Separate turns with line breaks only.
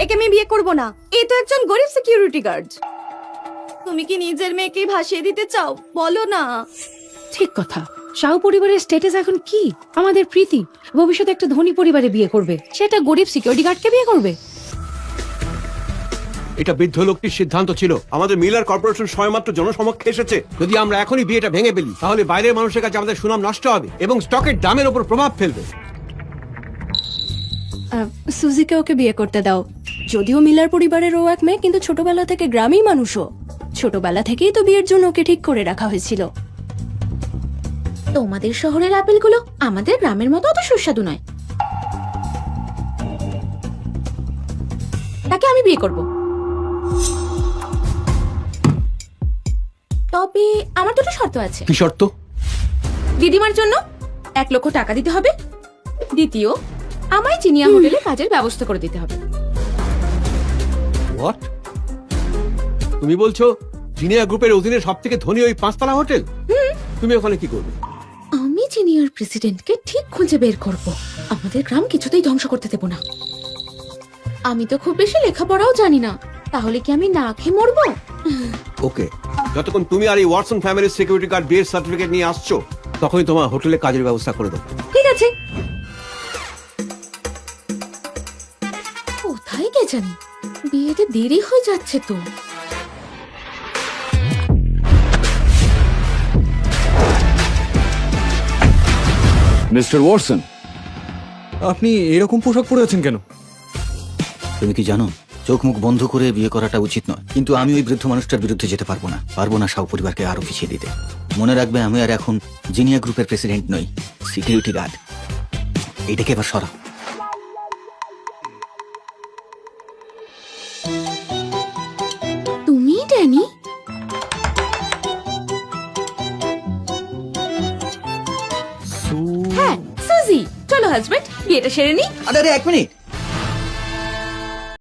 একে আমি বিয়ে করব না। এই তো একজন গরিব সিকিউরিটি গার্ড। তুমি কি নিজের মেয়েকে ভাসিয়ে দিতে চাও? বলো না।
ঠিক কথা। শাহু পরিবারের স্ট্যাটাস এখন কি? আমাদের প্রীতি ভবিষ্যতে একটা ধনী পরিবারে বিয়ে করবে, সেটা গরিব সিকিউরিটি গার্ডকে বিয়ে করবে?
এটা বৃদ্ধ লোকটির সিদ্ধান্ত ছিল। আমাদের মিলার কর্পোরেশন সময়মাত্র জনসমক্ষে এসেছে। যদি আমরা এখনই বিয়েটা ভেঙে ফেলি তাহলে বাইরের মানুষের কাছে আমাদের সুনাম নষ্ট হবে এবং স্টকের দামের উপর প্রভাব ফেলবে।
সুজিকে ওকে বিয়ে করতে দাও। যদিও মিলার পরিবারের ও এক মেয়ে, কিন্তু ছোটবেলা থেকে গ্রামেই মানুষও। ছোটবেলা থেকেই তো বিয়ের জন্য ওকে ঠিক করে রাখা হয়েছিল।
তোমাদের শহরের আপেলগুলো আমাদের গ্রামের মতো অত সুস্বাদু নয়। তাকে আমি বিয়ে করব। তবে আমার দুটো শর্ত আছে।
কি শর্ত?
দিদিমার জন্য 1 লক্ষ টাকা দিতে হবে। দ্বিতীয়, আমায় চিনিয়া হোটেলে কাজের ব্যবস্থা করে দিতে হবে।
হোয়াট? তুমি বলছো জিনিয়া গ্রুপের অধীনে সবথেকে ধনী ওই 5 তলা হোটেল? তুমি ওখানে কি করবে?
আমি জিনিয়ার প্রেসিডেন্টকে ঠিক খুঁজে বের করব। আমাদের গ্রাম কিছুতেই ধ্বংস করতে দেব না। আমি তো খুব বেশি লেখাপড়াও জানি না, তাহলে কি আমি না খেয়ে মরবো?
ওকে, যতক্ষণ তুমি আর এই ওয়াটসন ফ্যামিলির সিকিউরিটি গার্ড বিয়ের সার্টিফিকেট নিয়ে আসছো তখনই তোমার হোটেলে কাজের ব্যবস্থা করে দেবো।
ঠিক আছে। কোথায় কে জানি, বিয়েতে দেরি হয়ে যাচ্ছে তো।
মিস্টার ওয়াটসন, আপনি এরকম পোশাক পরে আছেন কেন?
তুমি কি জানো, চোখ মুখ বন্ধ করে বিয়ে করাটা উচিত নয়, কিন্তু আমি ওই বৃদ্ধ মানুষটার বিরুদ্ধে যেতে পারবো না শাহ পরিবারকে আরো পিছিয়ে দিতে। মনে রাখবে, আমি আর এখন জিনিয়া গ্রুপের প্রেসিডেন্ট নই, সিকিউরিটি গার্ড। এইটাকে এবার সরাও।
তুমি ড্যানি? হ্যাঁ, সুজি। চলো হাজবেন্ড, বিয়েটা সেরে নি।
আরে 1 মিনিট,